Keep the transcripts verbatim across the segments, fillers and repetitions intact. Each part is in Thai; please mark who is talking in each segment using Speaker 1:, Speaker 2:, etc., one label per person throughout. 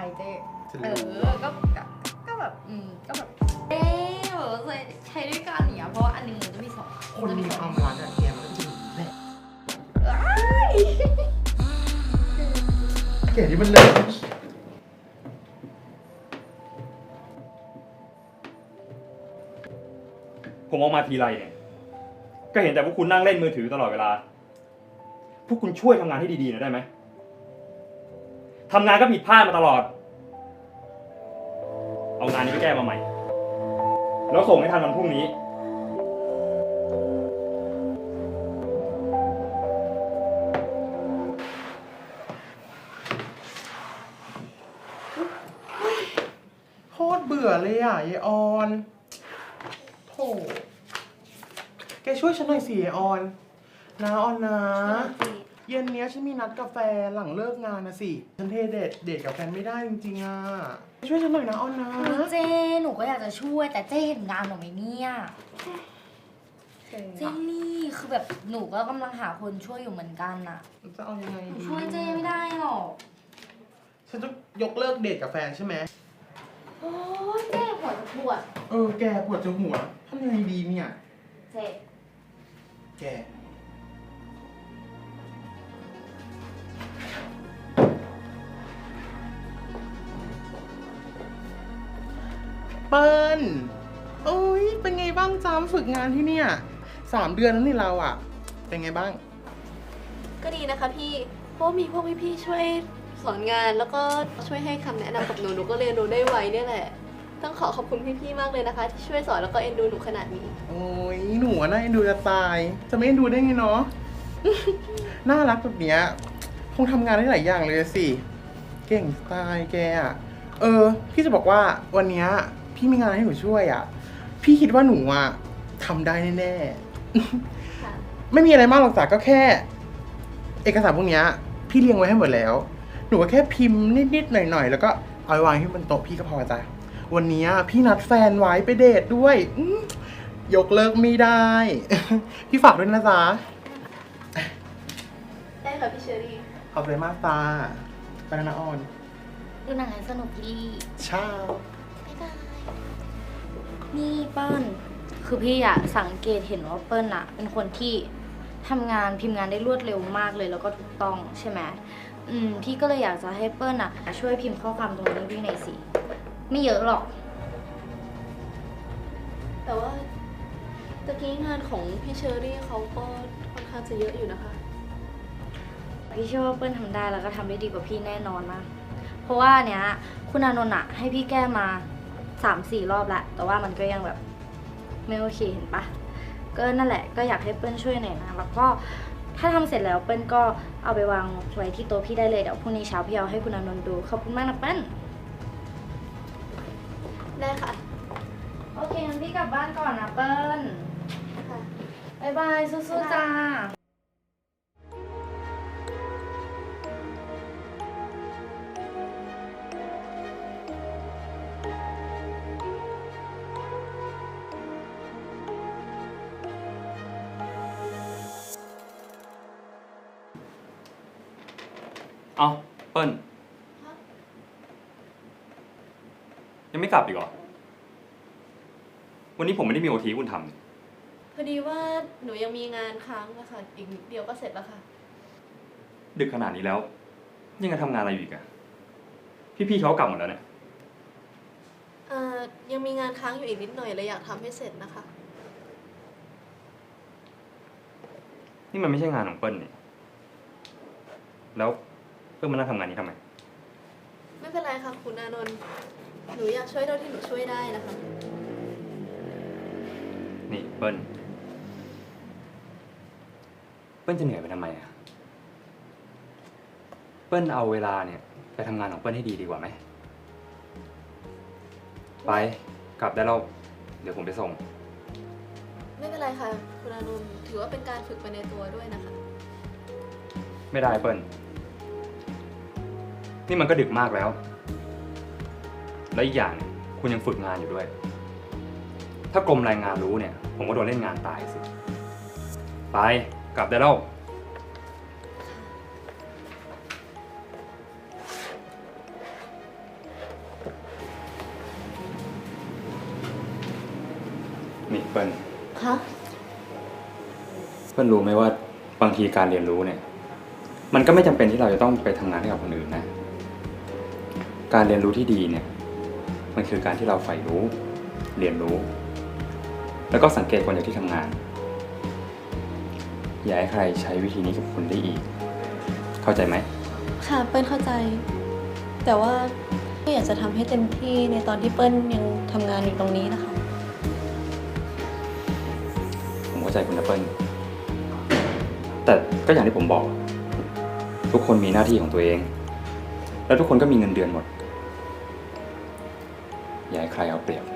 Speaker 1: เจ๊เออก็ก็แบบอืมก็แบบเอ๊ะแบบใช้ด้วยกันอย่างเงี้ยเพราะว่าอันนึงมันจะมีสอง
Speaker 2: คนมีความรักอะแกมันก็จริงแหละแกนี่มันเลย
Speaker 3: ผมออกมาทีไรเนี่ยก็เห็นแต่พวกคุณนั่งเล่นมือถือตลอดเวลาพวกคุณช่วยทำงานให้ดีๆหน่อยได้ไหมทำงานก็ผิดพลาดมาตลอดเอางานนี้ไปแก้มาใหม่แล้วส่งให้ทันวันพรุ่งนี้
Speaker 2: โคตรเบื่อเลยอ่ะยายออนโธ่แกช่วยฉันหน่อยสิยายออนนะออนนะเย็นเนี้ยฉันมีนัดกาแฟหลังเลิกงานนะสิฉันเทเดทเดทกับแฟนไม่ได้จริงๆอ่ะช่วยฉันหน่อยนะออนนะ
Speaker 1: เจ๊หนูก็อยากจะช่วยแต่เจ๊เห็นงานหนูไหมเนี่ยเจ๊นี่คือแบบหนูก็กำลังหาคนช่วยอยู่เหมือนกันน่ะ
Speaker 2: จะเอายังไงดี
Speaker 1: ช่วยเจ๊ไม่ได้หรอก
Speaker 2: ฉันจะยกเลิกเดทกับแฟนใช่ไหม
Speaker 1: โอ้ยเจ๊หัวจะปวด
Speaker 2: เออแกปวดจหัวทำยังไงดีเนี่ย
Speaker 1: เจ๊
Speaker 2: แกเปิ้ลโอ้ยเป็นไงบ้างจามฝึกงานที่เนี่ยสามเดือนแล้วนี่เราอ่ะ เป็นไงบ้าง
Speaker 4: ก็ดีนะคะพี่ เพราะว่ามีพวกพี่ๆช่วยสอนงานแล้วก็ช่วยให้คำแนะนำกับหนู หนูก็เรียนรู้ได้ไวเนี่ยแหละ ต้องขอขอบคุณพี่ๆมากเลยนะคะ ที่ช่วยสอนแล้วก็เอ็นดูหนูขนาดนี้
Speaker 2: โอ้ยหนูอะน่าเอ็นดูจะตาย จะไม่เอ็นดูได้ไงเนาะ น่ารักแบบเนี้ยคงทำงานได้หลายอย่างเลยสิ เก่งสไตล์แกอะเออ พี่จะบอกว่าวันเนี้ยพี่มีงานให้หนูช่วยอะพี่คิดว่าหนูอะทำได้แน่ๆ
Speaker 4: ค่ะ
Speaker 2: ไม่มีอะไรมากหรอกจ้ะก็แค่ เอกสารพวกเนี้ยพี่เรียงไว้ให้หมดแล้ว หนูก็แค่พิมพ์นิดๆหน่อยๆแล้วก็เอาไปวางที่บนโต๊ะพี่ก็พอจ้ะวันนี้พี่นัดแฟนไว้ไปเดทด้วยอื้อยกเลิกไม่ได้ พี่ฝากด้วยนะจ๊ะ
Speaker 4: ได้ค่ะพี่เชอรี่
Speaker 2: ขอบใจมากตาไปแล้วนะออน
Speaker 1: ดูหนังให้สนุกพี่
Speaker 2: เช้า
Speaker 1: บ๊ายบายนี่เปิ้ลคือพี่อะสังเกตเห็นว่าเปิ้ลอะเป็นคนที่ทำงานพิมพ์งานได้รวดเร็วมากเลยแล้วก็ถูกต้องใช่ไหมอืมพี่ก็เลยอยากจะให้เปิ้ลอะช่วยพิมพ์ข้อความตรงนี้พี่หน่อยสิไม่เยอะหรอก
Speaker 4: แต่ว่าตะกี้งานของพี่เชอรี่เขาก็ค่อนข้างจะเยอะอยู่นะคะ
Speaker 1: พี่เชื่อว่าเปิ้ลทำได้แล้วก็ทำได้ดีกว่าพี่แน่นอนมากเพราะว่าเนี้ยคุณอานนท์อะให้พี่แก้มาสามสี่รอบแล้วแต่ว่ามันก็ยังแบบไม่โอเคเห็นปะก็นั่นแหละก็อยากให้เปิ้ลช่วยหน่อยนะแล้วก็ถ้าทำเสร็จแล้วเปิ้ลก็เอาไปวางไว้ที่โต๊ะพี่ได้เลยเดี๋ยวพรุ่งนี้เช้าพี่เอาให้คุณอานนท์ดูขอบคุณมากนะเปิ้ล
Speaker 4: ได้ค่ะ
Speaker 1: โอเคงั้นพี่กลับบ้านก่อนนะเปิ้ล
Speaker 4: ค่ะ
Speaker 1: บ๊ายบายสู้ๆจ้า
Speaker 3: เอาเปิ้ลยังไม่กลับอีกเหรอวันนี้ผมไม่ได้มีโอทีคุณทำ
Speaker 4: พอดีว่าหนูยังมีงานค้างนะคะอีกนิดเดียวก็เสร็จแล้วค่ะ
Speaker 3: ดึกขนาดนี้แล้ว ยังจะทำงานอะไรอยู่อีกอะพี่ๆเขากลับหมดแล้วเนี่ย
Speaker 4: เอ่อ ยังมีงานค้างอยู่อีกนิดหน่อยเลยอยากทำให้เสร็จนะคะ
Speaker 3: นี่มันไม่ใช่งานของเปิ้ลนี่แล้วเปิ้ลมานั่งทำงานนี้ทำไม
Speaker 4: ไม่เป็นไรค่ะคุณอานนท์หนูอยากช่วยเท่าที่หนูช่วยได้นะคะ
Speaker 3: นี่เปิ้ลเปิ้ลจะเหนื่อยไปทำไมอะเปิ้ลเอาเวลาเนี่ยไปทำงานของเปิ้ลให้ดีดีกว่าไหมไปกลับได้แล้วเดี๋ยวผมไปส่ง
Speaker 4: ไม่เป็นไรค่ะคุณอานนท์ถือว่าเป็นการฝึกไปในตัวด้วยนะคะ
Speaker 3: ไม่ได้เปิ้ลนี่มันก็ดึกมากแล้ว และอีกอย่างเนี่ยคุณยังฝึกงานอยู่ด้วย ถ้ากรมแรงงานรู้เนี่ย ผมก็โดนเล่นงานตายสิ ไปกลับได้แล้ว
Speaker 4: ค
Speaker 3: นี่เปิ้ล
Speaker 4: คะ
Speaker 3: เปิ้ลรู้ไหมว่าบางทีการเรียนรู้เนี่ย มันก็ไม่จำเป็นที่เราจะต้องไปทำงานให้กับคนอื่นนะ การเรียนรู้ที่ดีเนี่ย มันคือการที่เราใฝ่รู้ เรียนรู้ แล้วก็สังเกตคนจากที่ทำงาน อย่าให้ใครใช้วิธีนี้กับคุณได้อีก เข้าใจไหม
Speaker 4: ค่ะเปิ้ลเข้าใจ แต่ว่าก็อยากจะทำให้เต็มที่ในตอนที่เปิ้ลยังทำงานอยู่ตรงนี้นะคะ
Speaker 3: ผมเข้าใจคุณนะเปิ้ลแต่ก็อย่างที่ผมบอก ทุกคนมีหน้าที่ของตัวเอง แล้วทุกคนก็มีเงินเดือนหมด อย่าให้ใครเอาเปรียบ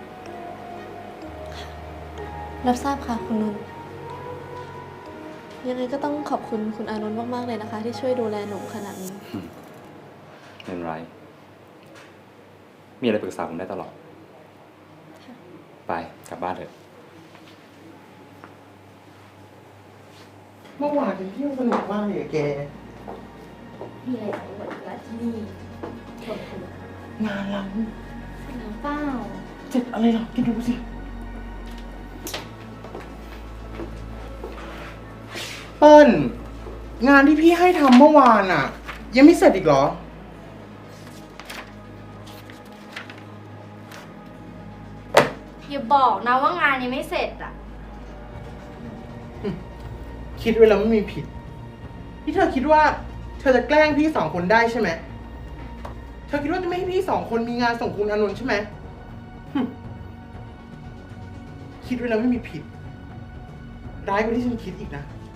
Speaker 4: รับทราบค่ะคุณนนท์ยังไงก็ต้องขอบคุณคุณอานนท์มากๆเลยนะคะ ที่ช่วยดูแลหนูขนาดนี้
Speaker 3: ไม่เป็นไร มีอะไรปรึกษาผมได้ตลอด ไปกลับบ้านเถอะ
Speaker 2: เมื่อวานฉันเที่ยวสนุกมากเลยอะแก
Speaker 1: มีอะไรจะอวดละที่นี่ชมคุณ
Speaker 2: งานเรา
Speaker 1: เสร็จแล้วเปล่า
Speaker 2: เจ็ดอะไรหรอแกดูสิ เปิ้ล งานที่พี่ให้ทำเมื่อวานอ่ะ ยังไม่เสร็จอีกเหรอ
Speaker 1: อย่าบอกนะว่างานยังไม่เสร็จอ่ะ
Speaker 2: คิดไว้แล้วไม่มีผิด ที่เธอคิดว่า เธอจะแกล้งพี่สองคนได้ใช่ไหม เธอคิดว่าจะไม่ให้พี่สองคนมีงานส่งคุณอานนท์ใช่ไหมหึคิดไว้แล้วไม่มีผิด ร้ายกว่าที่ฉันคิดอีกนะ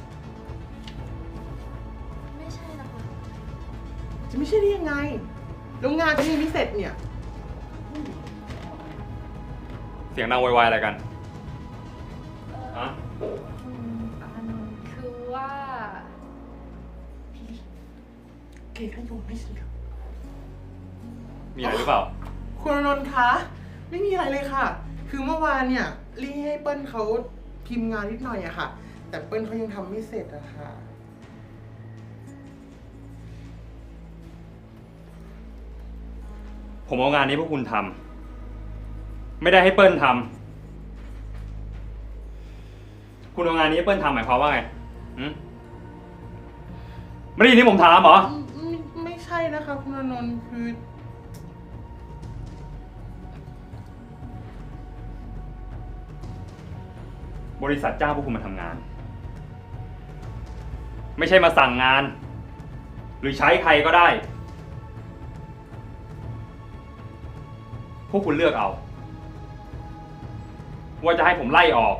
Speaker 4: ไม่ใช่นะคะ
Speaker 2: จะไม่ใช่ได้ยังไง แล้วงานจะยังไม่เสร็จเนี่ย
Speaker 3: เสียงดังไวๆอะไรกันฮะ
Speaker 1: อันคือว่า
Speaker 2: เกย์ขโยนไม่ฉันครับ
Speaker 3: มีอะไรหรือเปล่า
Speaker 2: คุณอานนท์คะ ไม่มีอะไรเลยค่ะ คือเมื่อวานเนี่ยลี่ให้เปิ้ลเขาพิมพ์งานนิดหน่อยอะค่ะ แต่เปิ้ลเขายังทำไม่เสร็จอะค่ะ
Speaker 3: ผมเอางานนี้พวกคุณทำ ไม่ได้ให้เปิ้ลทำ คุณเอางานนี้ให้เปิ้ลทำหมายความว่าไงหืมไม่ได้ยินที่ผมถามเหรอ
Speaker 2: ไม่ไม่ใช่นะคะ คุณอานนท์คือ
Speaker 3: บริษัทจ้างพวกคุณมาทำงาน ไม่ใช่มาสั่งงาน หรือใช้ใครก็ได้ พวกคุณเลือกเอา ว่าจะให้ผมไล่ออก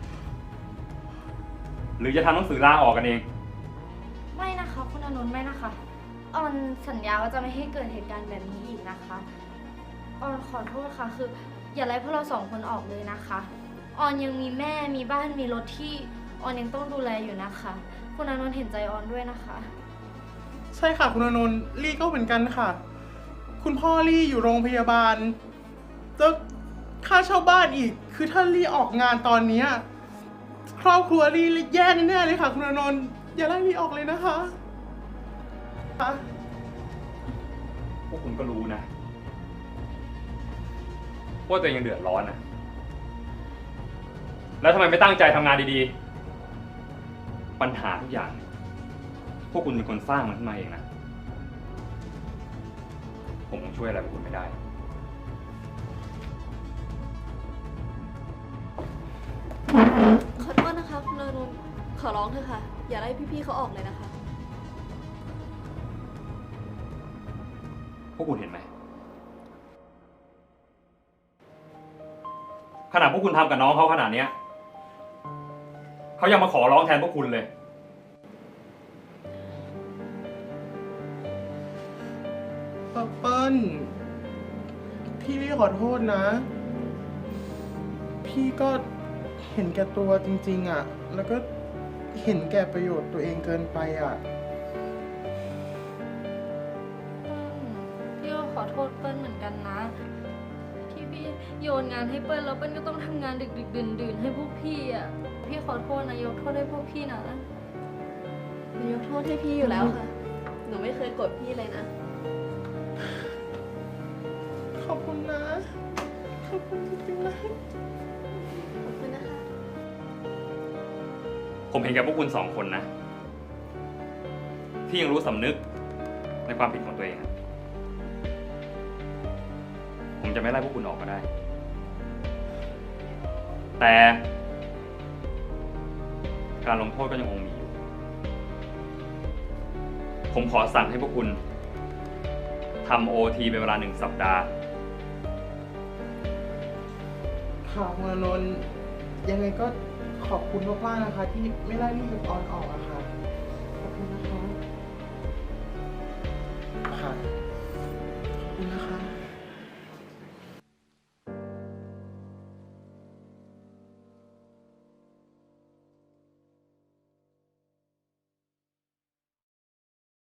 Speaker 3: หรือจะทำหนังสือลาออกกันเอง
Speaker 1: ไม่นะคะคุณอานนท์ไม่นะคะ ออนสัญญาว่าจะไม่ให้เกิดเหตุการณ์แบบนี้อีกนะคะ ออนขอโทษค่ะ คือ อย่าไล่พวกเราสองคนออกเลยนะคะ ออนยังมีแม่มีบ้านมีรถที่ออนยังต้องดูแลอยู่นะคะ คุณอานนท์เห็นใจออนด้วยนะคะ
Speaker 2: ใช่ค่ะ คุณอานนท์ลี่ก็เหมือนกันค่ะ คุณพ่อลี่อยู่โรงพยาบาลแล้วค่าเช่าบ้านอีก คือถ้าลี่ออกงานตอนเนี้ยครอบครัวลี่แย่แน่ๆเลยค่ะ คุณอานนท์อย่าไล่ลี่ออกเลยนะคะค่ะ
Speaker 3: พวกคุณก็รู้นะ ว่าตัวเองยังเดือดร้อนนะ แล้วทำไมไม่ตั้งใจทำงานดีๆ ปัญหาทุกอย่าง พวกคุณเป็นคนสร้างมันขึ้นมาเองนะ ผมคงช่วยอะไรพวกคุณไม่ได้
Speaker 4: ขอโทษนะคะคุณอานนท์ขอร้องเถอะค่ะ อย่าไล่พี่ๆเขาออกเลยนะคะ
Speaker 3: พวกคุณเห็นไหม ขนาดพวกคุณทำกับน้องเขาขนาดเนี้ยเขายังมาขอร้องแทนพวกคุณเลย
Speaker 2: เปิ้ลพี่ลี่ขอโทษนะ พี่ก็เห็นแก่ตัวจริงๆอ่ะ แล้วก็เห็นแก่ประโยชน์ตัวเองเกินไปอ่ะ
Speaker 1: พี่ก็ขอโทษเปิ้ลเหมือนกันนะ ที่พี่โยนงานให้เปิ้ลแล้วเปิ้ลก็ต้องทำงานดึกๆดื่นๆให้พวกพี่อ่ะ พี่ขอโทษนะยกโทษให้พวกพี่นะ
Speaker 4: หนูยกโทษให้พี่อยู่แล้วค่ะ หนูไม่เคยโกรธพี่เลยนะ
Speaker 2: ขอบคุณนะ ขอบคุณจริงๆนะ
Speaker 4: ขอบคุณนะคะ
Speaker 3: ผมเห็นแก่พวกคุณสองคนนะ ที่ยังรู้สำนึกในความผิดของตัวเองอะผมจะไม่ไล่พวกคุณออกก็ได้ แต่การลงโทษก็ยังคงมีอยู่ ผมขอสั่งให้พวกคุณทำโอทีเป็นเวลาหนึ่งสัปดาห์
Speaker 2: ค่ะคุณอานนท์ยังไงก็ขอบคุณมากๆนะคะ ที่ไม่ไล่พี่กับออนออกอะค่ะ ขอบคุณนะคะ ค่ะ ขอบคุณนะคะ